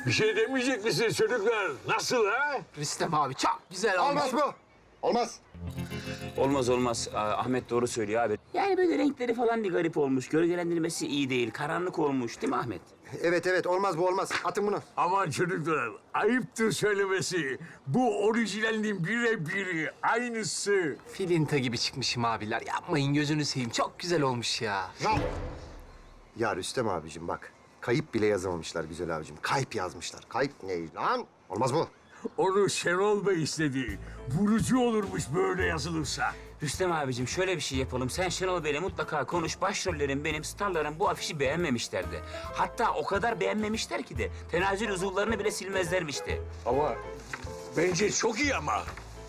Bir şey demeyecek misiniz çocuklar? Nasıl ha? Rüstem abi çok güzel olmuş. Olmaz bu. Olmaz. Olmaz olmaz. Ahmet doğru söylüyor abi. Yani böyle renkleri falan bir garip olmuş. Gölgelendirmesi iyi değil. Karanlık olmuş değil mi Ahmet? Evet olmaz bu olmaz. Atın bunu. Aman çocuklar, ayıptır söylemesi. Bu orijinalinin birebiri, aynısı. Filinta gibi çıkmışım abiler. Yapmayın gözünü seveyim. Çok güzel olmuş ya. Lan. Ya Rüstem abicim bak. Kayıp bile yazamamışlar güzel abicim. Kayıp yazmışlar. Kayıp ne lan? Olmaz bu. Onu Şenol Bey istedi. Vurucu olurmuş böyle yazılırsa. Rüstem abicim şöyle bir şey yapalım. Sen Şenol Bey'le mutlaka konuş. Başrollerin benim, starların bu afişi beğenmemişlerdi. Hatta o kadar beğenmemişler ki de tenazül uzuvlarını bile silmezlermişti. Ama bence çok iyi ama.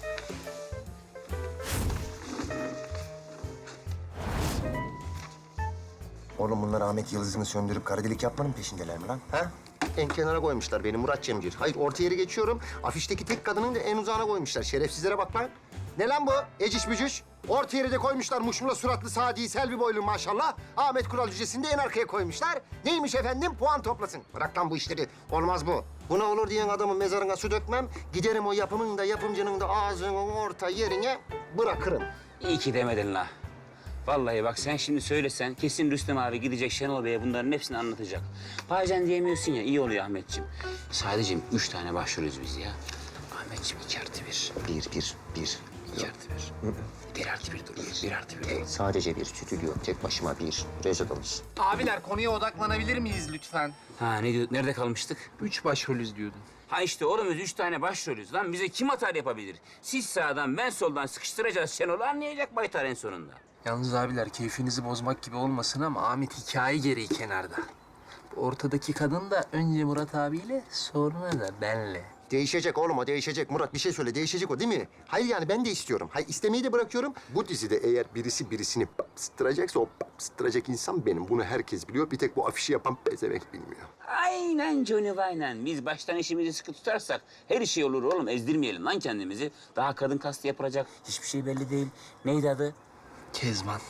Oğlum bunlar Ahmet Yıldız'ını söndürüp kara delik yapmanın peşindeler mi lan? Ha? En kenara koymuşlar beni Murat Cemcir. Hayır orta yeri geçiyorum. Afişteki tek kadının da en uzağına koymuşlar. Şerefsizlere bak lan. Ne lan bu? Eciş bücüş. Orta yeri de koymuşlar muşmula suratlı Sadi Selvi boylu maşallah. Ahmet Kural Cücesi'ni de en arkaya koymuşlar. Neymiş efendim? Puan toplasın. Bırak lan bu işleri. Olmaz bu. Buna olur diyen adamın mezarına su dökmem. Giderim o yapımın da yapımcının da ağzının orta yerine bırakırım. İyi ki demedin la. Vallahi bak sen şimdi söylesen kesin Rüstem abi gidecek Şenol Bey'e bunların hepsini anlatacak. Bazen diyemiyorsun ya, iyi oluyor Ahmetciğim. Sadece 3 tane başvuruyoruz biz ya. Ahmetciğim 2+1. Bir. 2+1. 1+1 dur. 1+1. Sadece bir stüdyo. Tek başıma bir. Rezidans. Abiler konuya odaklanabilir miyiz lütfen? Ha ne diyorduk? Nerede kalmıştık? 3 başrolüz diyordun. Ha işte oğlum biz 3 tane başrolüz lan. Bize kim atar yapabilir? Siz sağdan ben soldan sıkıştıracağız Şenol'u, anlayacak Baytar en sonunda. Yalnız abiler keyfinizi bozmak gibi olmasın ama Ahmet hikaye gereği kenarda. Bu ortadaki kadın da önce Murat abiyle sonra da benle. Değişecek oğlum o değişecek. Murat bir şey söyle değişecek o değil mi? Hayır yani ben de istiyorum. Hayır istemeyi de bırakıyorum. Bu dizide eğer birisi birisini bastıracaksa o bastıracak insan benim. Bunu herkes biliyor. Bir tek bu afişi yapan pezevenk bilmiyor. Aynen Johnny aynen. Biz baştan işimizi sıkı tutarsak her şey olur oğlum. Ezdirmeyelim lan kendimizi. Daha kadın kastı yapılacak. Hiçbir şey belli değil. Neydi adı? Kezban.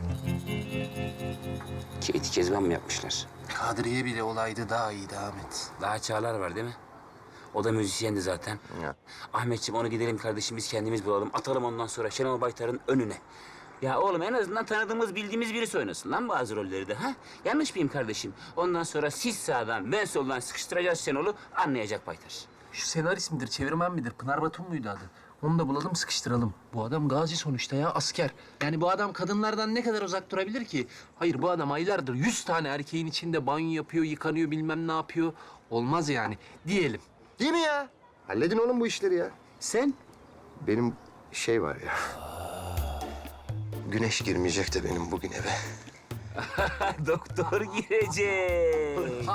Katie Kezban mı yapmışlar? Kadriye bile olaydı daha iyiydi Ahmet. Daha Çağlar var değil mi? O da müzisyendi zaten. Ya. Ahmetciğim onu gidelim kardeşim biz kendimiz bulalım. Atalım ondan sonra Şenol Baytar'ın önüne. Ya oğlum en azından tanıdığımız, bildiğimiz birisi oynasın lan bazı rolleri de ha? Yanlış mıyım kardeşim? Ondan sonra siz sağdan, ben soldan sıkıştıracağız Şenol'u, anlayacak Baytar. Şu senarist midir, çevirmen midir? Pınar Batum muydu adı? Onu da bulalım, sıkıştıralım. Bu adam gazi sonuçta ya, asker. Yani bu adam kadınlardan ne kadar uzak durabilir ki? Hayır, bu adam aylardır 100 tane erkeğin içinde banyo yapıyor, yıkanıyor, bilmem ne yapıyor. Olmaz yani, diyelim. Değil mi ya? Halledin oğlum bu işleri ya. Sen? Benim şey var ya. Güneş girmeyecek de benim bugün eve. Doktor girecek.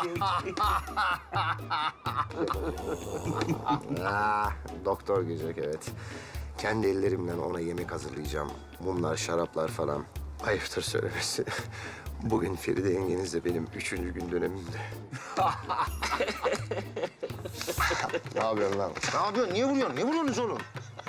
Doktor girecek evet. Kendi ellerimle ona yemek hazırlayacağım. Mumlar, şaraplar falan. Ayıptır söylemesi. Bugün Feride yengenizle benim 3. gün dönemimde. Ne yapıyorsun lan? Ne yapıyorsun? Niye vuruyorsun? Ne vuruyorsunuz oğlum?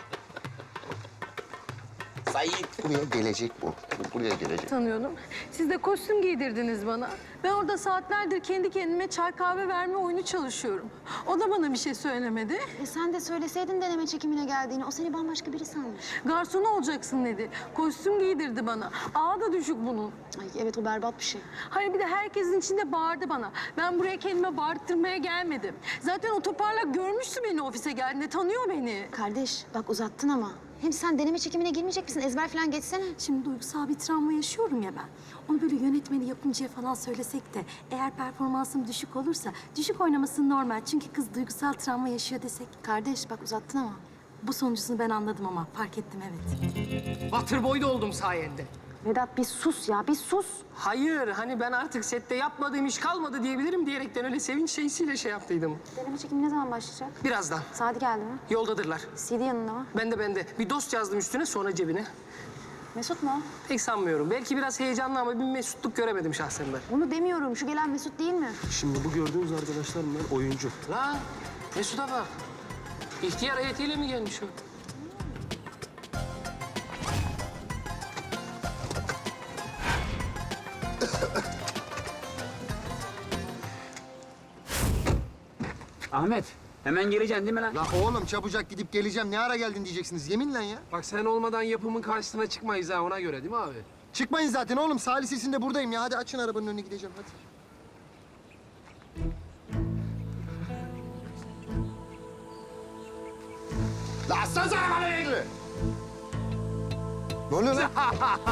Sayit. Buraya gelecek bu. Buraya gelecek. Tanıyordum. Siz de kostüm giydirdiniz bana. Ben orada saatlerdir kendi kendime çay kahve verme oyunu çalışıyorum. O da bana bir şey söylemedi. Sen de söyleseydin deneme çekimine geldiğini. O seni bambaşka biri sanmış. Garson olacaksın dedi. Kostüm giydirdi bana. Ağı da düşük bunun. Ay evet o berbat bir şey. Hayır bir de herkesin içinde bağırdı bana. Ben buraya kendime bağırttırmaya gelmedim. Zaten o toparlak görmüştü beni ofise geldiğinde. Tanıyor beni. Kardeş bak uzattın ama. Hem sen deneme çekimine girmeyecek misin? Ezber falan geçsene. Şimdi duygusal bir travma yaşıyorum ya ben. Onu böyle yönetmeni, yapımcıya falan söylesek de eğer performansım düşük olursa düşük oynaması normal. Çünkü kız duygusal travma yaşıyor desek. Kardeş bak uzattın ama. Bu sonuncusunu ben anladım ama fark ettim evet. Waterboy da oldum sayende. Vedat bir sus ya bir sus. Hayır, hani ben artık sette yapmadığım iş kalmadı diyebilirim diyerekten öyle sevinç şeysiyle şey yaptıydım. Deneme çekimi ne zaman başlayacak? Birazdan. Saati geldi mi? Yoldadırlar. CD yanında mı? Ben de. Bir dost yazdım üstüne sonra cebine. Mesut mu? Pek sanmıyorum. Belki biraz heyecanlı ama bir mesutluk göremedim şahsen ben. Onu demiyorum. Şu gelen Mesut değil mi? Şimdi bu gördüğünüz arkadaşlar bunlar oyuncu. Lan Mesut'a bak. İhtiyar heyetiyle mi gelmiş o? Ahmet, hemen geleceksin değil mi lan? La oğlum çabucak gidip geleceğim. Ne ara geldin diyeceksiniz yeminle ya. Bak sen olmadan yapımın karşısına çıkmayız ha ona göre değil mi abi? Çıkmayın zaten oğlum. Salih sesinde buradayım ya. Hadi açın arabanın önüne gideceğim hadi. La açsanıza arabanın önünü. Ne oluyor lan?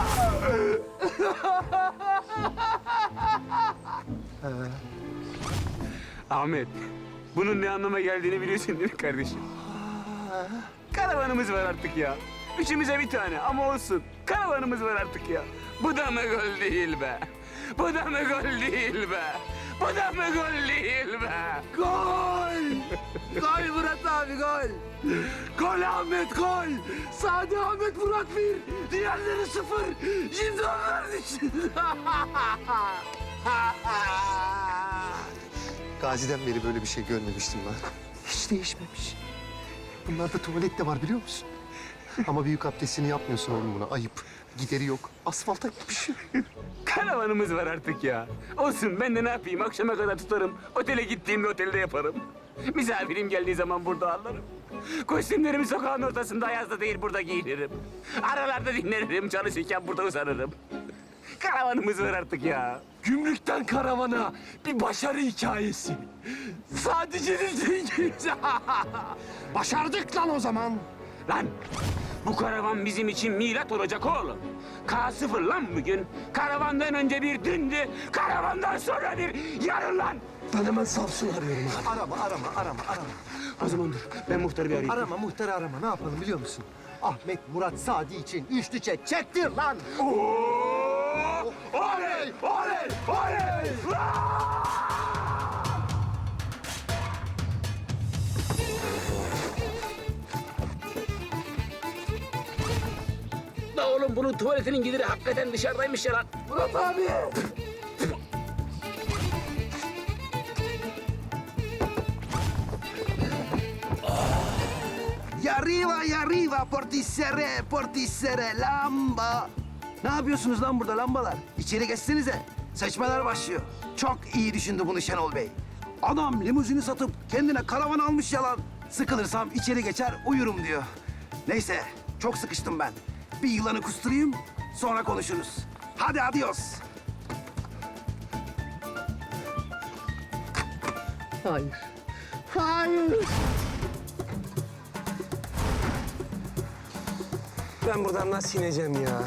Ahmet, bunun ne anlama geldiğini biliyorsun değil mi kardeşim? Karavanımız var artık ya. Üçümüze bir tane ama olsun. Karavanımız var artık ya. Bu da mı gol değil be? Bu da mı gol değil be? Bu da mı gol değil be? Gol! Gol Murat abi gol! Gol Ahmet gol! Sadi Ahmet Murat 1, diğerleri 0. Şimdi onların için. Gazi'den beri böyle bir şey görmemiştim lan. Hiç değişmemiş. Bunlarda tuvalet de var biliyor musun? Ama büyük abdestini yapmıyorsun oğlum buna. Ayıp. Gideri yok. Asfalta gitmiş. Karavanımız var artık ya. Olsun ben de ne yapayım akşama kadar tutarım. Otele gittiğimde otelde yaparım. Misafirim geldiği zaman burada alırım. Kostümlerimi sokağın ortasında ayazda değil burada giyinirim. Aralarda dinlenirim çalışırken burada uzanırım. Karavanımız var artık ya. Gümrükten karavana bir başarı hikayesi. Sadece Başardık lan o zaman. Lan bu karavan bizim için milat olacak oğlum. K0 lan bugün. Karavandan önce bir dündü. Karavandan sonra bir yarın lan. Ben hemen Samsun arıyorum abi. Arama. O zaman dur ben muhtarı bir arayayım. Arama muhtarı arama. Ne yapalım biliyor musun? Ahmet, Murat, Sadi için üçlü çek. Çektir lan. Oley! Oley! Oley! La oğlum bunun tuvaletinin gideri hakikaten dışarıdaymış ya lan. Murat abi! Y arriba, portisere, lamba. Ne yapıyorsunuz lan burada lambalar? İçeri geçsenize. Seçmeler başlıyor. Çok iyi düşündü bunu Şenol Bey. Adam limuzini satıp kendine karavan almış yalan. Sıkılırsam içeri geçer uyurum diyor. Neyse, çok sıkıştım ben. Bir yılanı kusturayım, sonra konuşuruz. Hadi adios. Hayır. Hayır. Ben buradan nasıl ineceğim ya?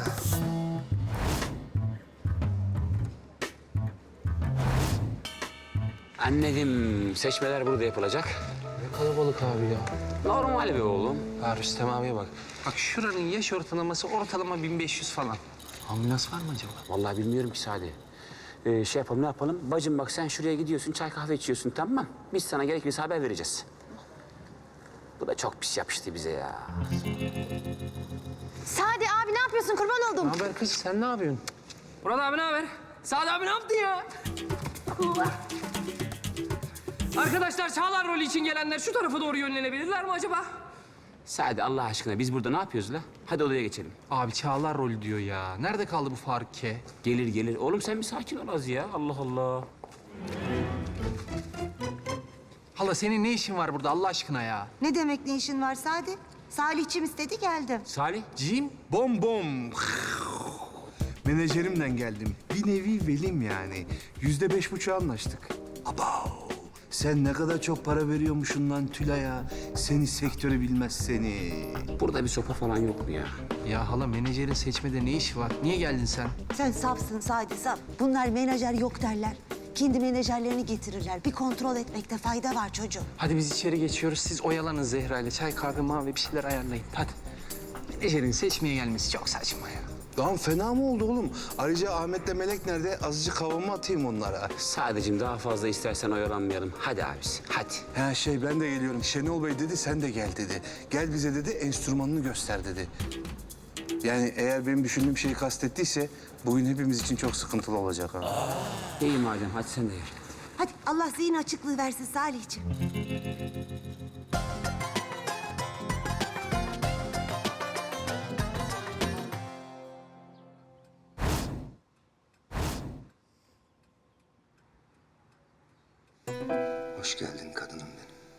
Anladım. Seçmeler burada yapılacak. Ne kalabalık abi ya. Normal be oğlum. Ha Rüstem abiye bak. Bak şuranın yaş ortalaması ortalama 1500 falan. Ambulans var mı acaba? Vallahi bilmiyorum ki Sadi. Şey yapalım ne yapalım? Bacım bak sen şuraya gidiyorsun çay kahve içiyorsun tamam mı? Biz sana gerekirse haber vereceğiz. Bu da çok pis yapıştı bize ya. Sadi abi ne yapıyorsun? Kurban oldum. Ne haber kız sen ne yapıyorsun? Murat abi ne haber? Sadi abi ne yaptın ya? Arkadaşlar Çağlar rolü için gelenler şu tarafa doğru yönlenebilirler mi acaba? Sadi Allah aşkına biz burada ne yapıyoruz la? Hadi odaya geçelim. Abi Çağlar rolü diyor ya. Nerede kaldı bu Faruk K? Gelir gelir. Oğlum sen bir sakin ol az ya. Allah Allah. Hala senin ne işin var burada Allah aşkına ya? Ne demek ne işin var Sadi? Salihçim istedi geldim. Salih. Cim? Bom bom. Menajerimden geldim. Bir nevi velim yani. %5,5 anlaştık. Abav. Sen ne kadar çok para veriyormuşsun lan Tülay'a. Seni sektörü bilmez seni. Burada bir sopa falan yok mu ya? Ya hala menajerin seçmede ne işi var? Niye geldin sen? Sen safsın Sadi saf. Bunlar menajer yok derler. Kendi menajerlerini getirirler. Bir kontrol etmekte fayda var çocuğum. Hadi biz içeri geçiyoruz. Siz oyalanın Zehra ile. Çay, kahve, mavi bir şeyler ayarlayın. Hadi. Menajerin seçmeye gelmesi çok saçma ya. Lan fena mı oldu oğlum? Ayrıca Ahmet'le Melek nerede? Azıcık havamı atayım onlara. Sadece daha fazla istersen oyalanmayalım. Hadi abisi hadi. Ha ben de geliyorum. Şenol Bey dedi sen de gel dedi. Gel bize dedi enstrümanını göster dedi. Yani eğer benim düşündüğüm şeyi kastettiyse bugün hepimiz için çok sıkıntılı olacak ha. İyi madem hadi sen de gel. Hadi Allah zihin açıklığı versin Salihçim. Hoş geldin kadınım benim.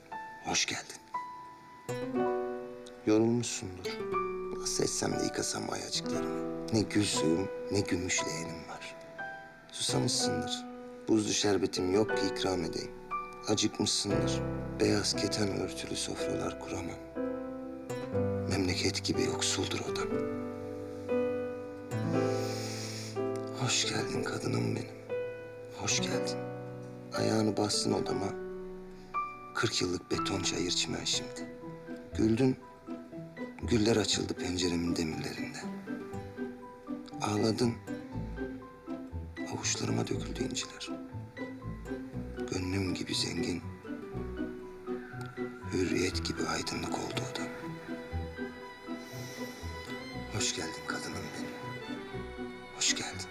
Hoş geldin. Yorulmuşsundur. Nasıl etsem de yıkasam ayacıklarımı. Ne gül suyum, ne gümüş leğenim var. Susamışsındır. Buzlu şerbetim yok ki ikram edeyim. Acıkmışsındır. Beyaz keten örtülü sofralar kuramam. Memleket gibi yoksuldur odam. Hoş geldin kadınım benim. Hoş geldin. Ayağını bastın odama. 40 yıllık beton çayır çimen şimdi. Güldün. Güller açıldı penceremin demirlerinde. Ağladın. Avuçlarıma döküldü inciler. Gönlüm gibi zengin. Hürriyet gibi aydınlık oldu odam. Hoş geldin kadınım benim. Hoş geldin.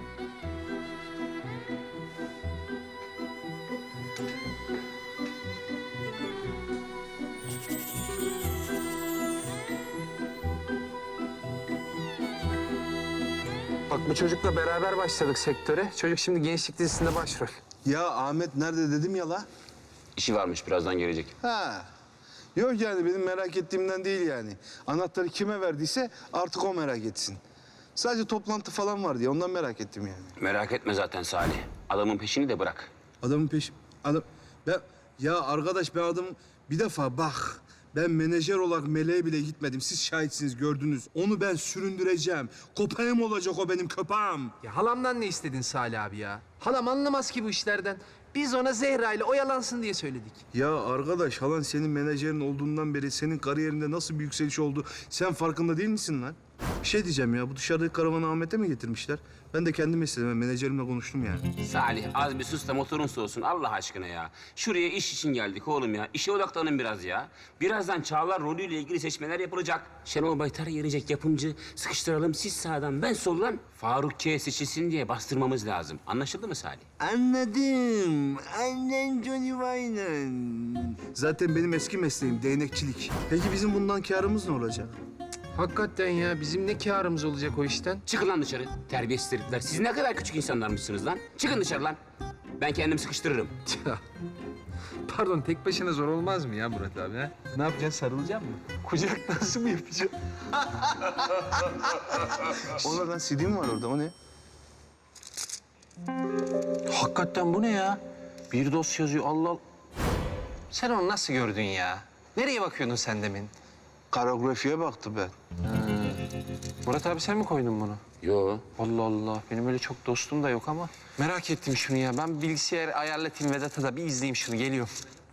Bak bu çocukla beraber başladık sektöre. Çocuk şimdi gençlik dizisinde başrol. Ya Ahmet nerede dedim ya la? İşi varmış, birazdan gelecek. Ha. Yok yani benim merak ettiğimden değil yani. Anahtarı kime verdiyse artık o merak etsin. Sadece toplantı falan var diye ondan merak ettim yani. Merak etme zaten Salih. Adamın peşini de bırak. Adamın Ya arkadaş ben bir defa bak. Ben menajer olarak meleğe bile gitmedim. Siz şahitsiniz, gördünüz. Onu ben süründüreceğim. Köpeğim olacak o benim köpeğim. Ya halamdan ne istedin Salih abi ya? Halam anlamaz ki bu işlerden. Biz ona Zehra ile oyalansın diye söyledik. Ya arkadaş halan senin menajerin olduğundan beri senin kariyerinde nasıl bir yükseliş oldu sen farkında değil misin lan? Bir şey diyeceğim ya bu dışarıdaki karavanı Ahmet'e mi getirmişler? Ben de kendim istedim. Ben menajerimle konuştum yani. Salih az bir sus da motorun soğusun Allah aşkına ya. Şuraya iş için geldik oğlum ya. İşe odaklanın biraz ya. Birazdan Çağlar rolüyle ilgili seçmeler yapılacak. Şenol Baytar gelecek yapımcı. Sıkıştıralım siz sağdan ben soldan. Faruk K seçilsin diye bastırmamız lazım. Anlaşıldı mı Salih? Anladım. Annen Johnny Wayne'ın. Zaten benim eski mesleğim değnekçilik. Peki bizim bundan kârımız ne olacak? Hakikaten ya bizim ne kârımız olacak o işten? Çıkın lan dışarı. Terbiyesiz herifler. Siz ne kadar küçük insanlarmışsınız lan. Çıkın dışarı lan. Ben kendim sıkıştırırım. Pardon tek başına zor olmaz mı ya Murat abi ha? Ne yapacaksın sarılacak mı? Kucak nasıl mı yapacaksın? O ne lan CD mi var orada o ne? Hakikaten bu ne ya? Bir dosya yazıyor Allah Allah. Sen onu nasıl gördün ya? Nereye bakıyordun sen demin? Karografiye baktı ben. Murat abi sen mi koydun bunu? Yo. Allah Allah. Benim öyle çok dostum da yok ama. Merak ettim şunu ya. Ben bilgisayar ayarlatayım Vedat'a da bir izleyeyim şunu. Geliyorum.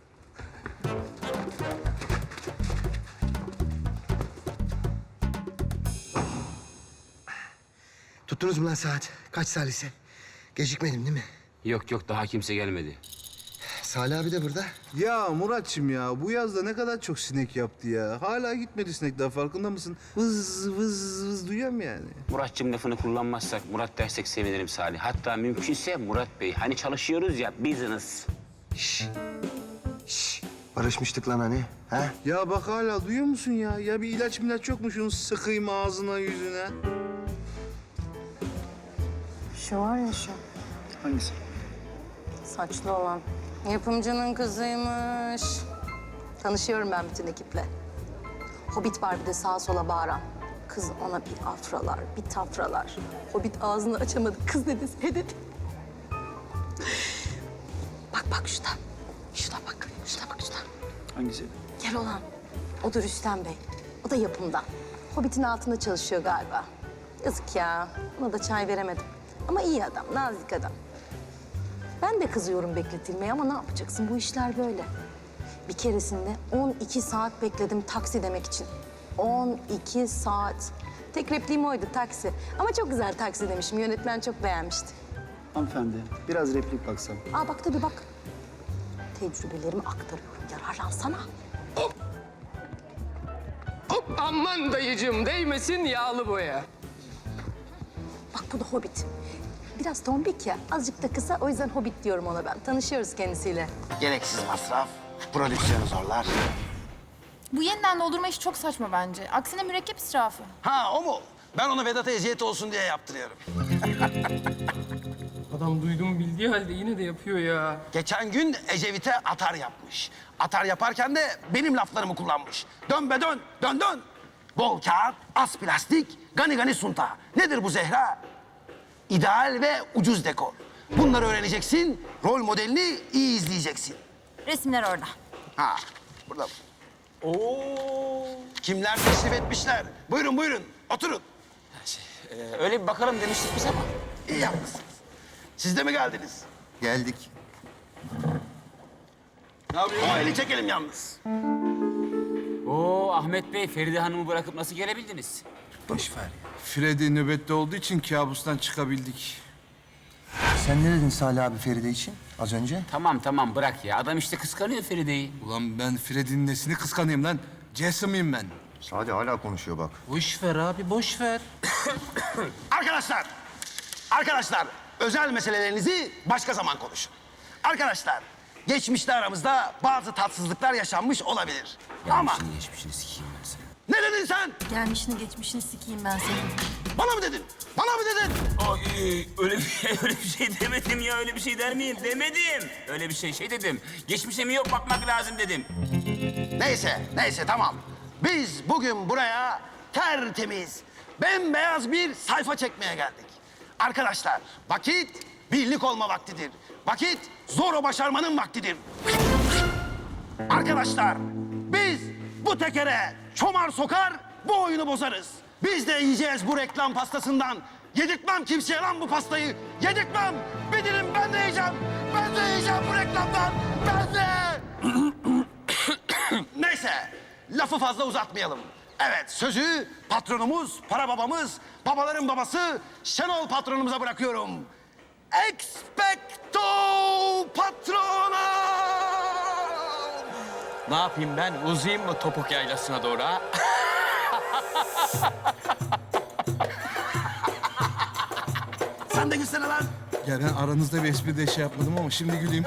Tuttunuz mu lan saat? Kaç salise? Gecikmedim değil mi? Yok yok daha kimse gelmedi. Salih abi de burada. Ya Muratçım ya bu yazda ne kadar çok sinek yaptı ya. Hala gitmedi sinek daha farkında mısın? Vız vız vız duyuyorum yani. Muratçım lafını kullanmazsak Murat dersek sevinirim Salih. Hatta mümkünse Murat Bey. Hani çalışıyoruz ya business. Barışmıştık lan hani. Ha? Ya bak hala duyuyor musun ya? Ya bir ilaç yok mu şunu sıkayım ağzına yüzüne? Şu var ya şu. Hangisi? Saçlı olan. Yapımcının kızıymış. Tanışıyorum ben bütün ekiple. Hobbit var bir de sağa sola bağıran. Kız ona bir afralar, bir tafralar. Hobbit ağzını açamadı. Kız dedi, he dedi. Bak şurada. Şurada bak. Şurada. Hangisi? Gel olan. O da Rüstem Bey. O da yapımdan. Hobbit'in altında çalışıyor galiba. Yazık ya. Ona da çay veremedim. Ama iyi adam, nazik adam. Ben de kızıyorum bekletilmeye ama ne yapacaksın? Bu işler böyle. Bir keresinde 12 saat bekledim taksi demek için. 12 saat. Tek repliğim oydu taksi. Ama çok güzel taksi demişim. Yönetmen çok beğenmişti. Hanımefendi, biraz replik baksam. Aa bak tabii bak. Tecrübelerimi aktarıyorum. Yararlansana. Aman dayıcığım değmesin yağlı boya. Bak bu da Hobbit. Biraz tombik ya. Azıcık da kısa. O yüzden Hobbit diyorum ona ben. Tanışıyoruz kendisiyle. Gereksiz masraf, prodüksiyon zorlar. Bu yeniden doldurma işi çok saçma bence. Aksine mürekkep israfı. Ha o mu? Ben onu Vedat'a eziyet olsun diye yaptırıyorum. Adam duyduğumu bildiği halde yine de yapıyor ya. Geçen gün Ecevit'e atar yapmış. Atar yaparken de benim laflarımı kullanmış. Dön be dön, dön dön. Bol kağıt, az plastik, gani gani sunta. Nedir bu Zehra? İdeal ve ucuz dekor. Bunları öğreneceksin, rol modelini iyi izleyeceksin. Resimler orada. Ha, burada. Oo. Kimler teşrif etmişler? Buyurun buyurun, oturun. Öyle bir bakalım demiştik biz ama. İyi yapmışsınız. Siz de mi geldiniz? Geldik. O eli çekelim yalnız. Oo Ahmet Bey, Feride Hanım'ı bırakıp nasıl gelebildiniz? Boş ver ya. Freddy nöbette olduğu için kabustan çıkabildik. Sen ne dedin Salih abi Feride için az önce? Tamam bırak ya. Adam işte kıskanıyor Feride'yi. Ulan ben Freddy'nin nesini kıskanayım lan? Jason mıyım ben? Salih hala konuşuyor bak. Boş ver abi, boş ver. Arkadaşlar, özel meselelerinizi başka zaman konuşun. Arkadaşlar, geçmişte aramızda bazı tatsızlıklar yaşanmış olabilir. Ama Geçmişini sikeyim ben sana. ne dedin sen? Gelmişini geçmişini sikeyim ben senin. Bana mı dedin? Bana mı dedin? Ay, öyle bir şey demedim ya. Öyle bir şey der miyim? Demedim. Öyle bir şey dedim. Geçmişe mi yok bakmak lazım dedim. Neyse tamam. Biz bugün buraya tertemiz, bembeyaz bir sayfa çekmeye geldik. Arkadaşlar, vakit birlik olma vaktidir. Vakit zor başarmanın vaktidir. Arkadaşlar, biz bu tekere çomar sokar, bu oyunu bozarız. Biz de yiyeceğiz bu reklam pastasından. Yedirtmem kimseye lan bu pastayı. Yedirtmem. Bir dilim ben de yiyeceğim. Ben de yiyeceğim bu reklamdan. Ben de. Neyse, lafı fazla uzatmayalım. Evet, sözü patronumuz, para babamız, babaların babası Şenol patronumuza bırakıyorum. Expecto patronum! Ne yapayım ben? Uzayayım mı topuk yaylasına doğru ha? Sen de gülsene lan. Ya ben aranızda bir espri de şey yapmadım ama şimdi güleyim.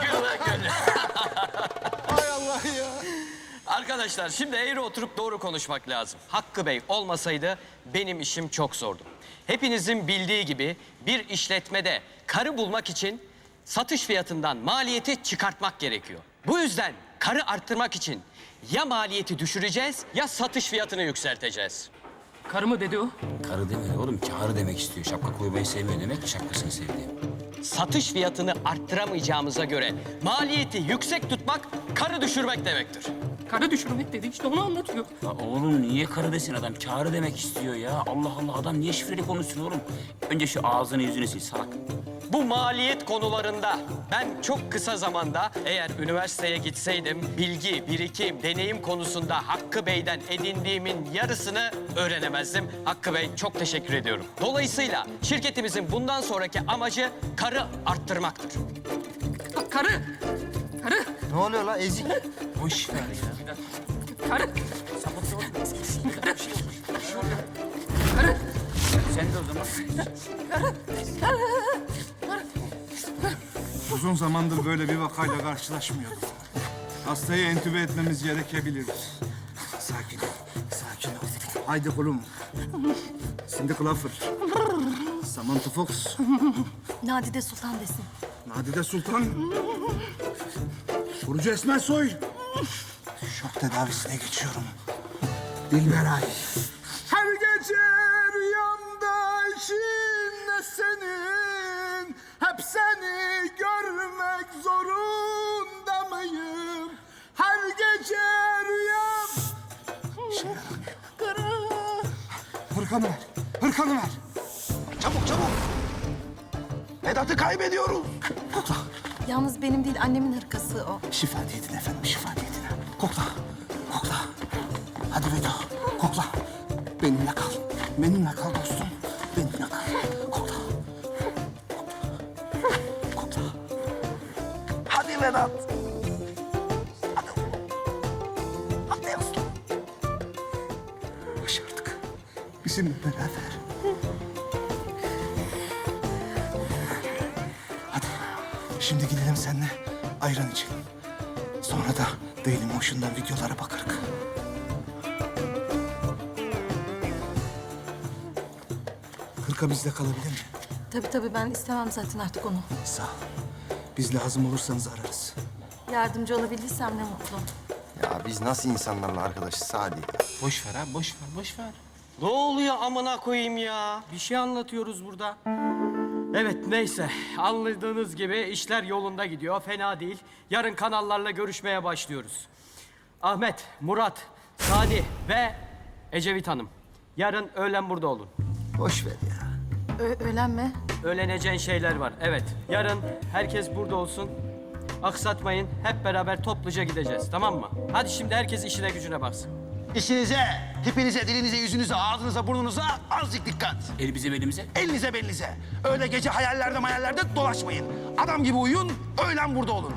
Hay Allah ya. Arkadaşlar şimdi eğri oturup doğru konuşmak lazım. Hakkı Bey olmasaydı benim işim çok zordu. Hepinizin bildiği gibi bir işletmede karı bulmak için satış fiyatından maliyeti çıkartmak gerekiyor. Bu yüzden karı arttırmak için ya maliyeti düşüreceğiz ya satış fiyatını yükselteceğiz. Karı mı dedi o? Karı demedi oğlum. Kârı demek istiyor. Şapka koymayı sevmiyor demek ki şapkasını sevdiğim. Satış fiyatını arttıramayacağımıza göre maliyeti yüksek tutmak karı düşürmek demektir. Karı düşürmek dedi, işte onu anlatıyor. Ya oğlum niye karı desin adam? Kârı demek istiyor ya. Allah Allah, adam niye şifreli konuşsun oğlum? Önce şu ağzını yüzünü sil salak. Bu maliyet konularında ben çok kısa zamanda eğer üniversiteye gitseydim bilgi, birikim, deneyim konusunda Hakkı Bey'den edindiğimin yarısını öğrenemezdim. Hakkı Bey çok teşekkür ediyorum. Dolayısıyla şirketimizin bundan sonraki amacı karı arttırmaktır. Karı! Ne oluyor la ezik? Boş ver ya. Karı! Karı! Sen de o zaman. Uzun zamandır böyle bir vakayla karşılaşmıyordum. Hastayı entübe etmemiz gerekebilir. Sakin ol, sakin ol. Haydi kulum. Cindy Crawford. Samantha Fox. Nadide Sultan desin. Nadide Sultan. Burcu Esmer Soy. Şok tedavisine geçiyorum. Dilberay. Her gece rüyamda içinde senin. Hep seni görmek zorunda mıyım? Her gece rüyam... Hırkanı ver, hırkanı ver. Çabuk çabuk. Vedat'ı kaybediyoruz. Yalnız benim değil annemin hırkası o. Şifa niyetine efendim, şifa niyetine. Kokla, kokla. Hadi Vedo, kokla. Benimle kal, benimle kal dostum. Benimle kal, kokla. Kokla. Hadi Vedat. Hadi. Hadi aslan. Başardık. Bizimle beraber. Hadi, şimdi gidelim seninle ayran içelim. Sonra da Dailymotion'dan videolara bakarız. Hırka bizde kalabilir mi? Tabii ben istemem zaten artık onu. Sağ ol. Biz lazım olursanız ararız. Yardımcı olabildiysem ne mutlu. Ya biz nasıl insanlarla arkadaşız Sadi? Boş ver abi, boş ver, boş ver. Ne oluyor amına koyayım ya? Bir şey anlatıyoruz burada. Evet neyse anladığınız gibi işler yolunda gidiyor. Fena değil. Yarın kanallarla görüşmeye başlıyoruz. Ahmet, Murat, Sadi ve Ecevit Hanım. Yarın öğlen burada olun. Boş ver ya. Öğlen mi? Öğleneceğin şeyler var. Evet. Yarın herkes burada olsun. Aksatmayın. Hep beraber topluca gideceğiz. Tamam mı? Hadi şimdi herkes işine gücüne baksın. İşinize, tipinize, dilinize, yüzünüze, ağzınıza, burnunuza azıcık dikkat. Elimize belimize. Elinize belinize. Öyle gece hayallerde dolaşmayın. Adam gibi uyuyun, öğlen burada olun.